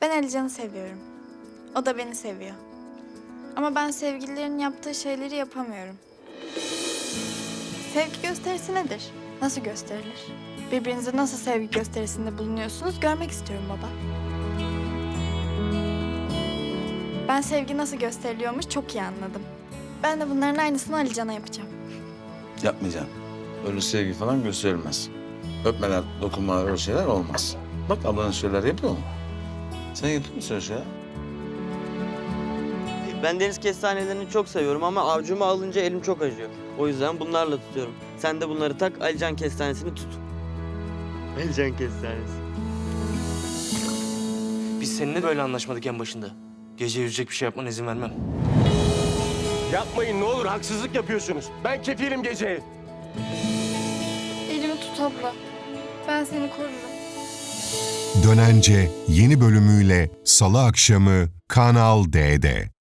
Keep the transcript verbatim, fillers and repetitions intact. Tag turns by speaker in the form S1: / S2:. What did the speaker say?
S1: Ben Alican'ı seviyorum. O da beni seviyor. Ama ben sevgililerin yaptığı şeyleri yapamıyorum. Sevgi gösterisi nedir? Nasıl gösterilir? Birbirinize nasıl sevgi gösterisinde bulunuyorsunuz görmek istiyorum baba. Ben sevgi nasıl gösteriliyormuş çok iyi anladım. Ben de bunların aynısını Alican'a yapacağım.
S2: Yapmayacağım. Öyle sevgi falan gösterilmez. Öpmeler, dokunmalar, öyle şeyler olmaz. Bak ablanın şeyler yapıyor mu? Sen yapıyor musun öyle şeyler?
S3: Ben deniz kestanelerini çok seviyorum ama avcuma alınca elim çok acıyor. O yüzden bunlarla tutuyorum. Sen de bunları tak, Alican kestanesini tut. Alican kestanesi.
S4: Biz seninle böyle anlaşmadık en başında. Gece yüzecek bir şey yapmana izin vermem.
S5: Yapmayın ne olur, haksızlık yapıyorsunuz. Ben kefilim geceye.
S1: Elimi tut abla. Ben seni korurum.
S6: Dönence yeni bölümüyle Salı akşamı Kanal D'de.